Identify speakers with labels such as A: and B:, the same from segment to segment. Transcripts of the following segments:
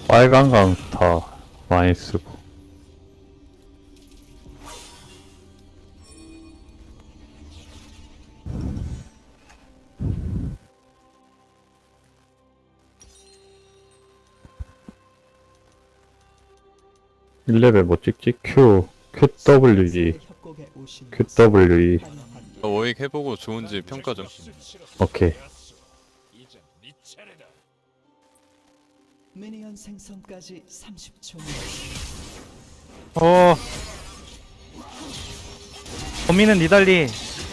A: 빨간 강타 많이 쓰고. 일레벨뭐 찍지? QWE, QWE.
B: 워익 해보고 좋은지 평가 좀.
A: 오케이.
C: 미니언 생성까지 30초.
D: 범인은 니달리.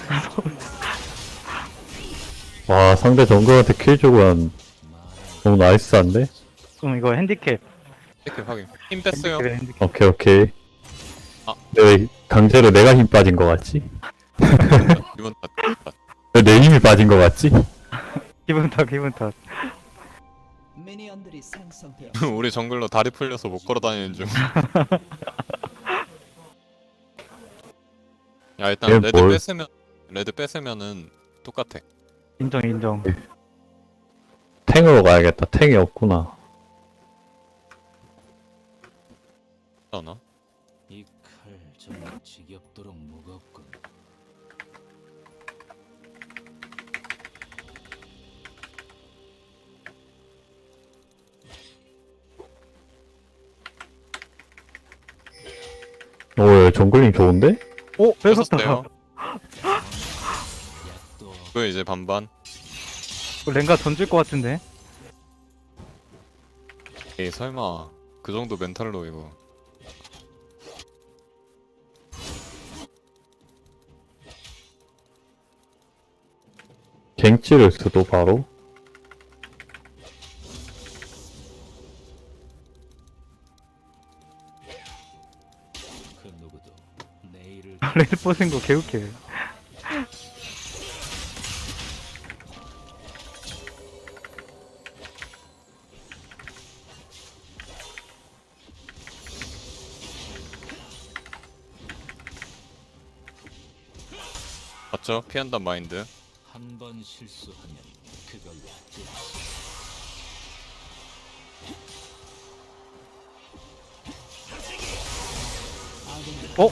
A: 와, 상대 정글한테 킬 주고 한 너무 나이스한데?
D: 이거 핸디캡.
B: 이렇게 확인. 힘 뺐어요.
D: 핸디캡, 핸디캡.
A: 오케이, 오케이.
B: 아.
A: 왜 강제로 내가 힘 빠진 거 같지?
B: 이번 다.
A: 왜 내 힘이 빠진 거 같지?
D: 기분 탓, 기분 탓.
C: 미니언들이 생성되어
B: 우리 정글러 다리 풀려서 못 걸어 다니는 중. 야 일단
A: 얘
B: 레드
A: 뭘-
B: 뺏으면은 똑같아.
D: 인정, 인정.
A: 탱으로 가야겠다. 탱이 없구나.
B: 하나?
E: 이 칼 정말 지겹도록 무겁군.
A: 오, 정글링 좋은데?
D: 오, 뺏었다.
B: 뺏었어요.
E: 약도
B: 그 이제 반반.
D: 랭가 던질 것 같은데.
B: 에이 설마 그 정도 멘탈로 이거.
A: 갱찌를 수도 바로?
E: 그 누구도 내일을
D: 레드 뻗은 거 개웃겨.
B: 맞죠? 피한단 마인드.
E: 한 번 실수하면 그걸로 끝.
D: 어?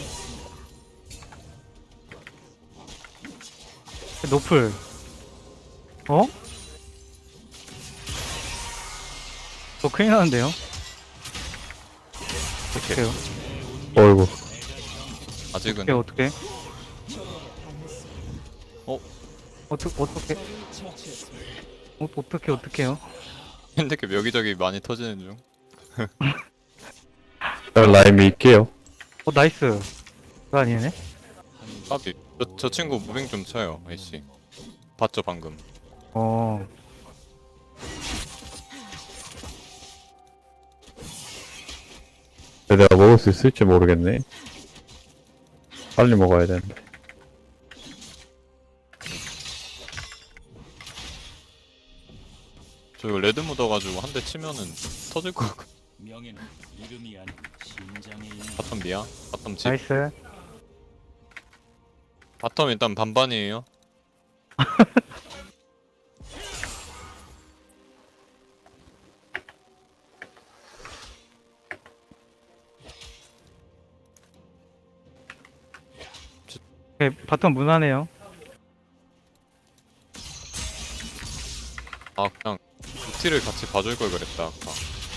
D: 노플. 어? 저 큰일 나는데요? 어떡해요?
A: 어이구.
B: 아직은
D: 어떻게?
B: 어?
D: 어떻게? 어떻게요?
B: 핸드캡 여기저기 많이 터지는 중.
A: 라인 밀게요.
D: 나이스. 그거 아니네?
B: 까비. 저 친구 무빙 좀 쳐요, 아이씨. 봤죠 방금.
D: 어.
A: 근데 내가 먹을 수 있을지 모르겠네. 빨리 먹어야 되는데.
B: 저 이거 레드 묻어가지고 한 대 치면은 터질 것 같고.
E: 명예는 이름이 아닌 심장에 있는
B: 바텀 미야? 바텀 집?
D: 나이스.
B: 바텀 일단 반반이에요.
D: 네, 바텀 무난해요.
B: 아 그냥 루티를 같이 봐줄 걸 그랬다 아까.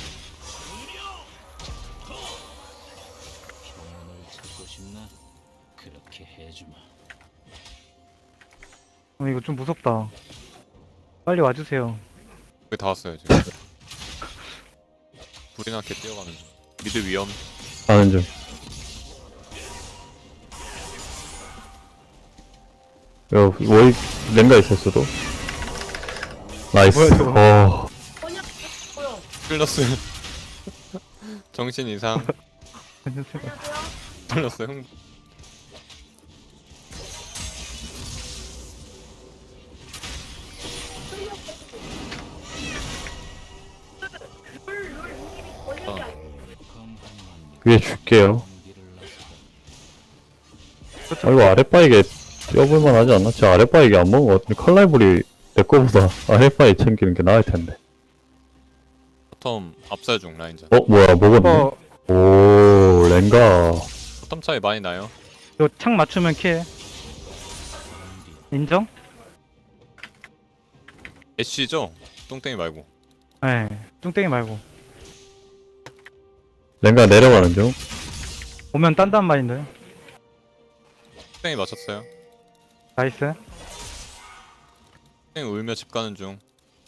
E: 평온을 찾고 싶나? 그렇게 해주마.
D: 이거 좀 무섭다. 빨리 와주세요.
B: 거의 다 왔어요 지금. 불이 나게 뛰어가는 중. 미드 위험.
A: 가는 중. 야, 워익 랭가 있었어도. 나이스.
D: 뭐야, 저거.
B: 끌렸어요. 정신 이상. 끌렸어요. 흥.
A: 위에 줄게요.
E: 길을
A: 아, 이거 아랫바이게 뛰어볼만 하지 않나? 저 아랫바이게 안 먹은 것 같은데, 칼날불이 내 거보다 아랫바이 챙기는 게 나을 텐데.
B: 바텀 바텀 압살 중 라인전.
A: 뭐야, 먹었네?
D: 이거
A: 오, 랭가.
B: 바텀 차이 많이 나요.
D: 이거 창 맞추면 킬. 인정?
B: 애쉬죠? 똥땡이 말고.
D: 네. 뚱땡이 말고.
A: 랭가 내려가는 중.
D: 오면 딴단 말인데.
B: 똥땡이 맞췄어요.
D: 나이스.
B: 똥땡이 울며 집 가는 중.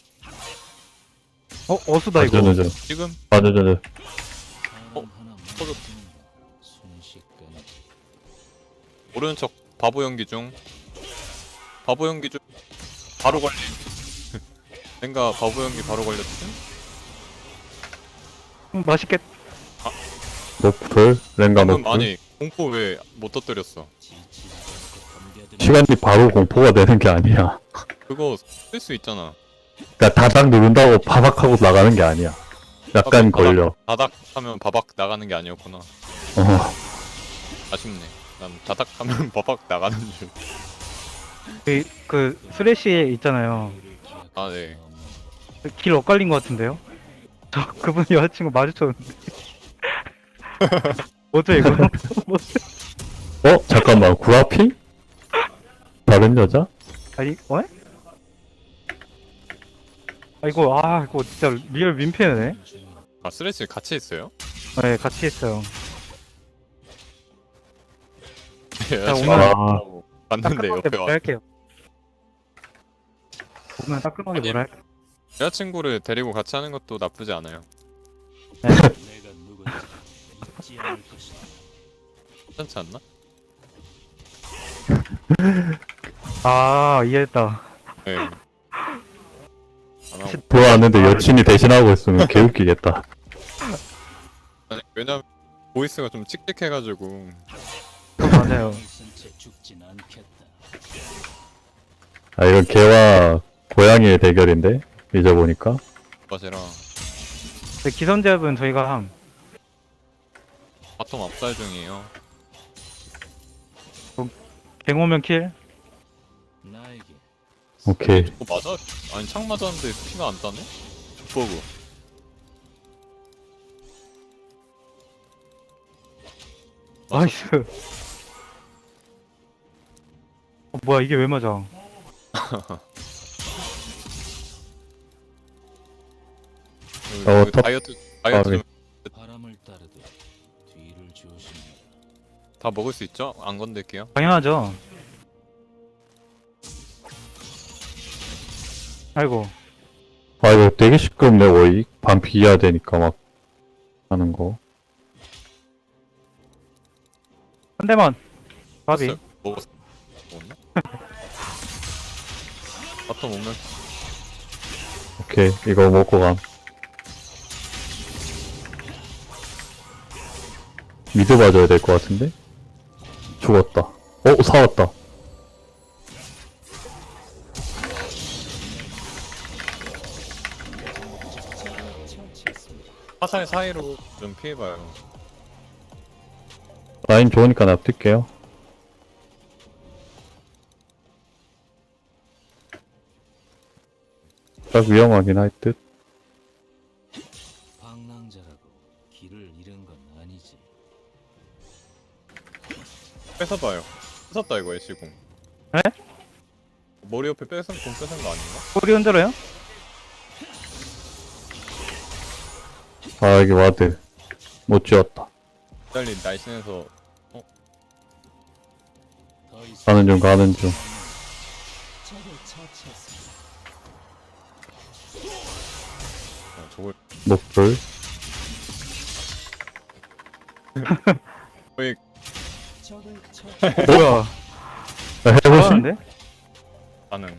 D: 어수다 이거.
A: 맞아.
B: 지금
A: 맞아.
E: 사람 하나
B: 터졌다.
E: 순식간에
B: 오른쪽 바보 연기 중. 바보 연기 중. 바로 걸림. 뭔가 바보 연기 바로 걸렸지?
D: 맛있겠.
A: 노플, 랭가
B: 방금
A: 노플.
B: 아니 공포 왜 못 터뜨렸어?
E: 지치지 않고 덤벼드는
A: 시간이 바로 공포가 되는 게 아니야.
B: 그거 쓸 수 있잖아.
A: 그니까 다닥 누른다고 바박하고 나가는 게 아니야. 약간 걸려.
B: 다닥 하면 바박 나가는 게 아니었구나.
A: 어,
B: 아쉽네. 난 다닥 하면 바박 나가는 줄.
D: 그 쓰레쉬 있잖아요.
B: 아 네.
D: 길 엇갈린 것 같은데요? 저 그분 여자친구 마주쳤는데. 뭐죠 이거?
A: 잠깐만, 구라피? 다른 여자?
D: 아니, 어? 이거 진짜 리얼 민폐네.
B: 아 스레치 같이 있어요?
D: 네, 같이 했어요.
B: 여자친구
D: 오늘
B: 봤는데
D: 따끔하게
B: 옆에
D: 뭐라
B: 와.
D: 할게요. 오늘 따끔하게
B: 아니,
D: 뭐라 할게요.
B: 여자친구를 데리고 같이 하는 것도 나쁘지 않아요.
E: 내가 누군지 잊지 않을 것이다.
B: 괜찮지 않나?
D: 아, 이해했다.
B: 네. 안 하고.
A: 들어왔는데 여친이 대신하고 있으면 개웃기겠다.
B: 아니, 왜냐면 보이스가 좀 칙칙해가지고
D: 맞아요.
E: 있은 채 죽진 않겠다.
A: 아, 이건 개와 고양이의 대결인데? 잊어보니까.
B: 맛이랑
D: 근데 기선제압은 저희가 함.
B: 바텀 압살 중이에요.
D: 갱오면 킬.
E: 나에게
A: 오케이.
B: 맞아? 아니 창 맞았는데 피가 안 따네? 족버그.
D: 나이스. 뭐야 이게 왜 맞아?
A: top-
B: 다이어트
A: 네.
E: 바람을 따르듯 뒤를 조심해라.
B: 다 먹을 수 있죠? 안 건들게요.
D: 당연하죠. 아이고.
A: 아, 이거 되게 시끄럽네, 거의. 반피해야 되니까 막 하는 거.
D: 한 대만. 바비.
B: 먹었어요? 먹었나? 바텀 오면
A: 오케이, 이거 먹고 감. 미드 봐줘야 될 것 같은데? 죽었다. 사왔다.
C: 처치했습니다.
B: 화살 사이로 좀 피해봐요.
A: 라인 좋으니까 납둘게요. 딱 위험하긴 할 듯.
E: 방랑자라고 길을 잃은 건 아니지.
B: 뺏어봐요. 뺏었다 이거 애쉬공.
D: 에?
B: 머리 옆에 공 뺏은 거 아닌가?
D: 꼬리 흔들어요?
A: 아, 이게 와드. 못 지웠다.
B: 달리 날씬해서
E: 더 이상
A: 가는 중.
C: 적을 처치했습니다.
B: 저걸
A: 노플.
B: 거의
C: 적을 처치.
D: 뭐야?
A: 해보신?
D: 잘하는데?
B: 가능.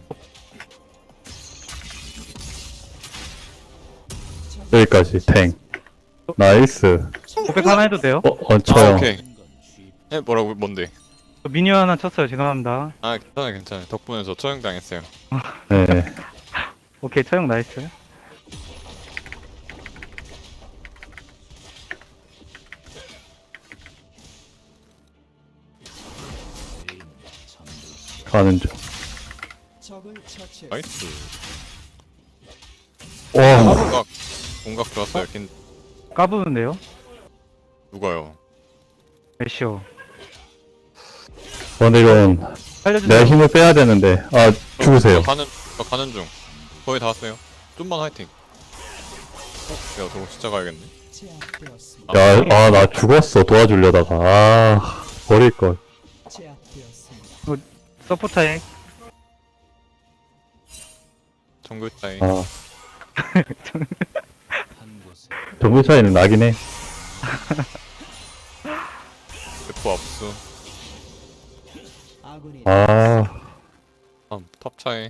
A: 여기까지, 탱. 나이스.
D: 고백 하나 해도 돼요?
A: 얹혀요.
B: 오케이.
E: 건 쉽.
B: 뭐라고 뭔데?
D: 저 미니어 하나 쳤어요. 죄송합니다.
B: 아 괜찮아. 덕분에 저 처형당했어요.
A: 네.
D: 오케이, 처형 나이스.
E: 죄인은 잠들지.
A: 가는 중.
C: 적을 처치했습니다.
B: 나이스.
A: 와,
B: 하루가 공각 좋았어요. 킨
D: 까부는데요?
B: 누가요?
D: 애쉬어.
A: 근데 이건
D: 살려주세요.
A: 내가 힘을 빼야 되는데. 아, 죽으세요.
B: 저 가는 중. 거의 다 왔어요. 좀만 화이팅. 야, 저거 진짜 가야겠네.
C: 제압되었습니다.
A: 야, 아, 나 죽었어. 도와주려다가. 아, 버릴걸.
C: 제압되었습니다.
D: 서포터에
B: 정글 차이.
A: 아,
E: 한 곳에
A: 정글 차이는 나긴 해.
B: 대포 압수.
C: 아군이
A: 아,
B: 탑 차이.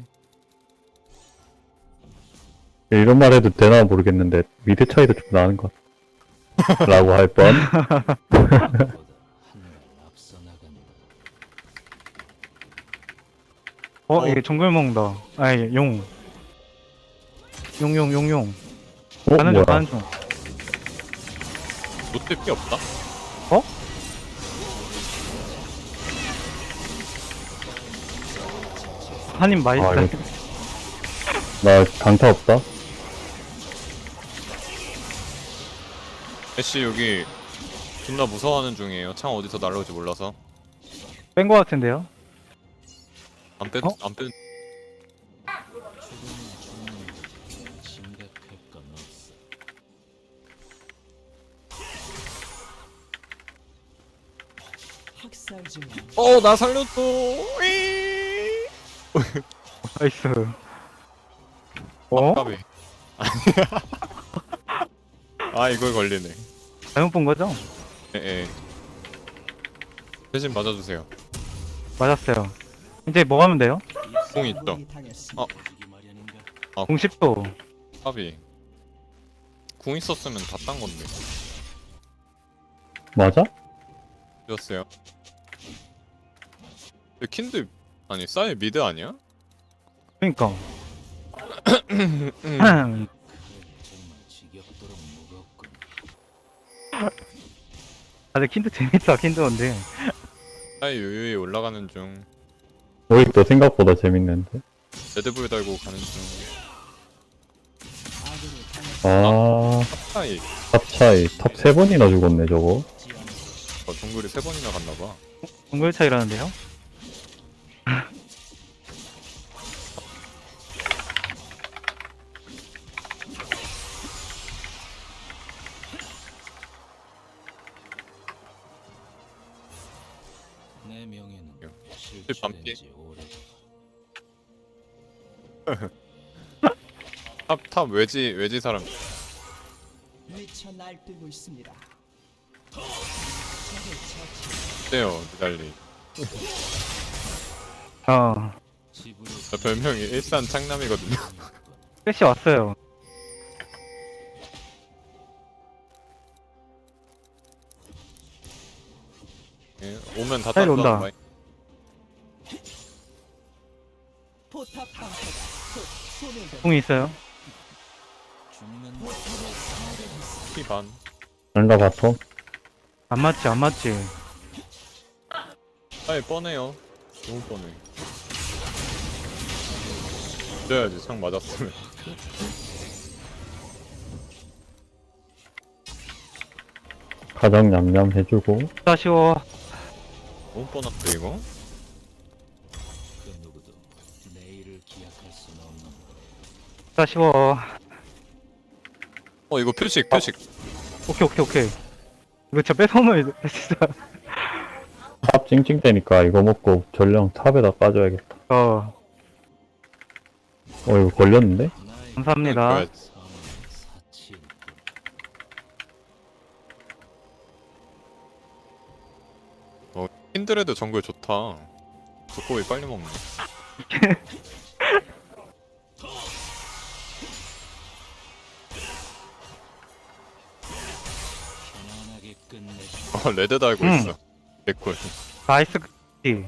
A: 이런 말 해도 되나 모르겠는데, 미드 차이도 좀 나는 것 같아. 라고 할 뻔.
E: 보다 한발 앞서 나간다.
D: 이게 정글 먹는다. 아니 용. 용.
A: 어,
D: 가는 중
A: 뭐야.
D: 가는 중.
B: 노트 피 없다?
D: 한입
A: 아,
D: 맛있다.
A: 이거. 나 강타 없다?
B: 애쉬 여기 존나 무서워하는 중이에요. 창 어디서 날라올지 몰라서.
D: 뺀 거 같은데요?
B: 안 뺀,
D: 어?
B: 안 뺀.
E: 심각할 건 없어.
C: 학살 중.
B: 나 살렸어. 이
D: 나이스. 어?
B: 아깝이. 아, 이걸 걸리네.
D: 잘못 본 거죠?
B: 예. 대신 맞아주세요.
D: 맞았어요. 이제 뭐 하면 돼요?
B: 공 있죠?
C: 아군이 당했습니다.
E: 주기 마련인가?
D: 공 10도.
B: 까비. 궁 있었으면 다 딴 건데.
A: 맞아?
B: 였어요. 킨드 아니 싸이 미드 아니야?
D: 그니까.
E: 정말 지겹도록 무겁군.
D: 다들 킨드 재밌다 킨드인데.
B: 싸이 유유히 올라가는 중.
A: 오익도 생각보다 재밌는데.
B: 레드불 달고 가는 중.
C: 아군이 당했습니다.
A: 아,
B: 싸이
A: 탑 차이. 탑 3번이나 죽었네, 저거.
B: 정글이 3번이나 갔나봐.
D: 정글 차이라는데요?
E: 내 명예는
B: 밤피?
E: 실추된 지 오래.
B: 탑 외지 사람.
C: 미쳐 날뛰고 있습니다. 적을 처치.
B: 어때요 니달리.
E: 집으로
B: 저 별명이 일산 창남이거든요.
D: 패시 왔어요.
B: 예, 오면 다
D: 빨리
B: 딴다.
D: 온다.
B: 마이-
C: 포탑 방패가 곧 소멸됩니다.
D: 공이 있어요.
E: 죽는
B: 피 반.
A: 난가 바텀?
D: 안 맞지.
B: 싸이 뻔해요. 너무 뻔해. 이래야지 창 맞았으면.
A: 가장 냠냠 해주고.
D: 아쉬워.
B: 너무 뻔한데 이거?
E: 그 누구도 내일을 기약할 수는 없는
D: 아쉬워.
B: 이거 표식.
D: 오케이. 이거 진짜 뺏어놓으면 진짜.
A: 탑 찡찡대니까 이거 먹고 전령 탑에다 빠져야겠다. 이거 걸렸는데?
E: 나의
D: 감사합니다.
B: 그래야지.
E: 삶은 사치일 뿐.
B: 킨드레드 정글 좋다. 두꺼비 빨리 먹네.
E: 편안하게 끝내.
B: 레드 달고 있어. 개꿀.
D: 나이스. 키.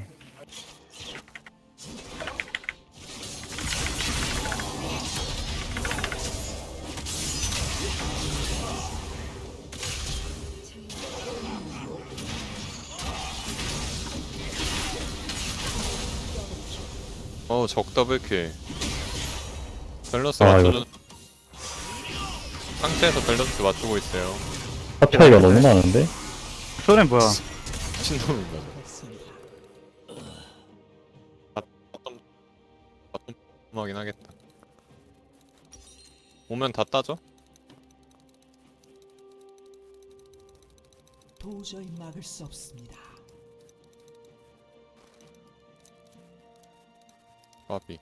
B: 적 더블킬. 밸런스
A: 아,
B: 맞춰주는. 상체에서 밸런스 맞추고 있어요.
A: 탑 차이가 너무 나는데?
D: 소렌 뭐야?
B: 신놈인가?
C: 했습니다.
B: 하긴 하겠다. 오면 다 따져?
C: 도저히 막을 수 없습니다.
B: 까비.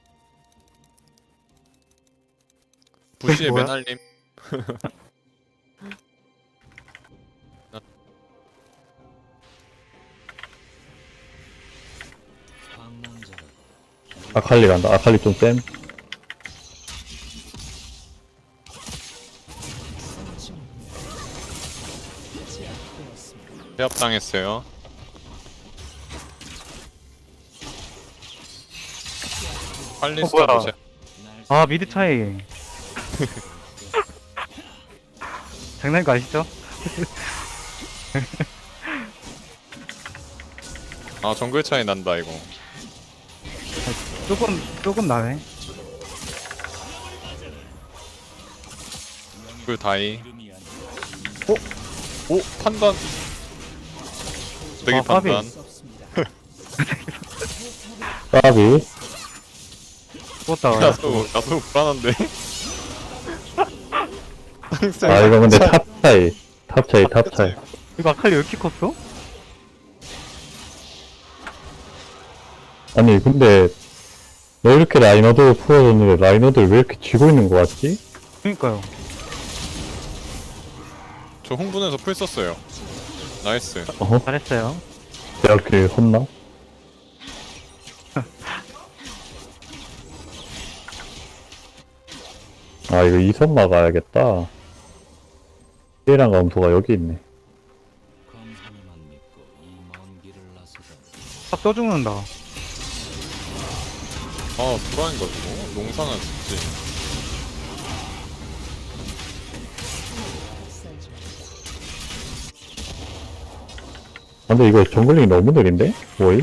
B: 부시의
D: 뭐야?
B: 맨알림.
E: 방랑자라고
A: 아칼리 간다. 아칼리 좀 쌤.
C: 제압되었습니다.
B: 제압당했어요. 칼리스타
D: 뭐야?
B: 부시.
E: 날
D: 아 미드 차이. 장난인 거 아시죠?
B: 아 정글 차이 난다 이거.
D: 조금 나네.
B: 정글 다이.
E: 이름이 아니야.
B: 오 판단. 되게
D: 아, 까비.
B: 판단.
C: 수 없습니다.
A: 까비.
D: 죽었다.
B: 나도 불안한데.
A: 아, 이거 근데 탑 차이. 탑 차이, 탑 차이.
D: 이거 아칼리 왜 이렇게 컸어?
A: 아니, 근데, 왜 이렇게 라이너드 풀어줬는데 라이너드를 왜 이렇게 쥐고 있는 거 같지?
D: 그니까요.
B: 저 흥분해서 풀 썼어요. 나이스.
A: 어허,
D: 잘했어요.
A: 내가 길 헛나? 아, 이거 이선 막아야겠다. 피해랑 검소가 여기 있네.
E: 검사님만 믿고 이 먼 길을 나서다.
D: 딱 떠죽는다.
B: 아 불안인가 저거? 농사나 짓지.
C: 쌀 중.
A: 아, 근데 이거 정글링이 너무 느린데? 뭐이?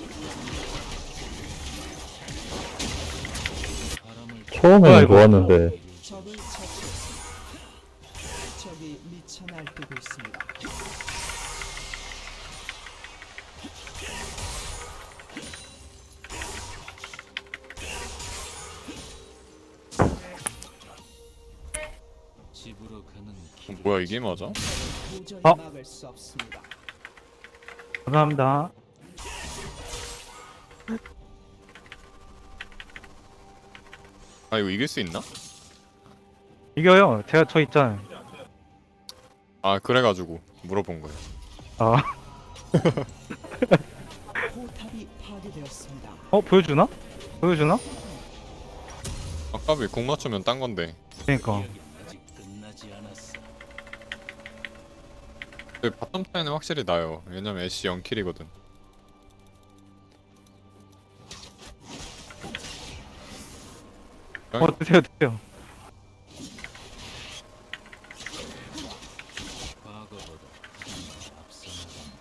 E: 바람을
D: 뭐야,
A: 처음에는
D: 이거?
A: 좋았는데,
C: 적을 처치했습니다. 적이 미쳐 날뛰고 있습니다.
E: 집으로 가는 길.
B: 뭐야 이게 맞아?
C: 도저히
D: 어?
C: 막을 수 없습니다.
D: 감사합니다.
B: 아 이거 이길 수 있나?
D: 이겨요. 저 있잖아요.
B: 아 그래가지고 물어본 거예요.
D: 아,
C: 포탑이 파괴되었습니다.
D: 보여주나? 보여주나?
B: 아까비 공 맞추면 딴 건데.
D: 그니까.
E: 아직 끝나지 않았어.
B: 근데 바텀 차이는 확실히 나요. 왜냐면 애쉬 0킬이거든.
D: 드세요.
E: 과거보다 앞서 나간다.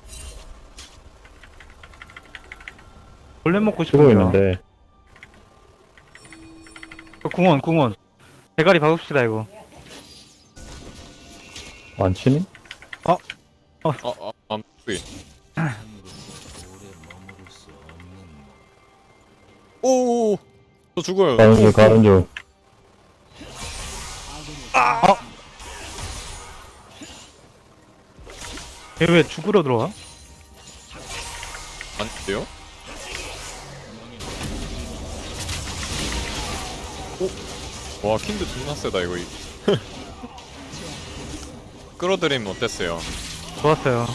D: 원래 먹고
A: 치고
D: 싶은데.
A: 있는데,
D: 궁원. 대가리 박읍시다, 이거.
A: 안 치니?
B: 암투이.
E: 하늘에서 오래 머무를 수 없는
B: 오. 저 죽어요.
A: 가는 중, 가는 중.
D: 얘 왜 죽으러 들어와?
B: 안 돼요? 오. 와 킨드 존나 세다 이거. 끌어들이면 어땠어요?
D: 좋았어요.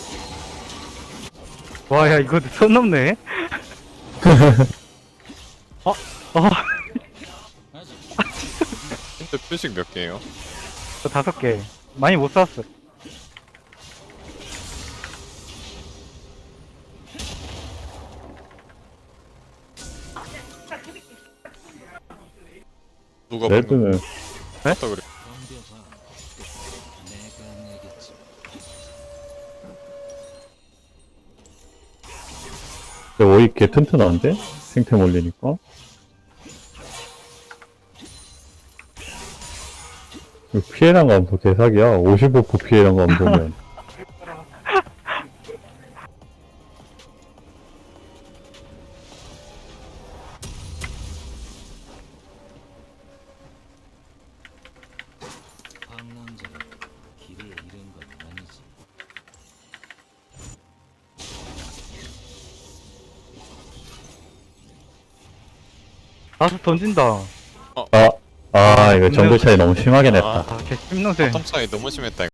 D: 와, 야, 이거 선 넘네?
E: 아직
B: 킨드 표식 몇 개예요?
D: 저 5개. 많이 못 샀어.
B: 누가
A: 레드는,
B: 봤다 그래.
E: 덤벼봐. 내가 내겠지.
A: 근데 오이 개 튼튼한데? 생템 올리니까. 그 피해량 감소 개사기야. 55% 피해량 감소면.
E: 방랑자가 길을 잃은 건 아니지.
D: 나도 던진다.
A: 이거 정글 차이 너무 심하게 냈다.
B: 아,
D: 아, 개 심노세.
B: 바텀 차이 너무 심했다.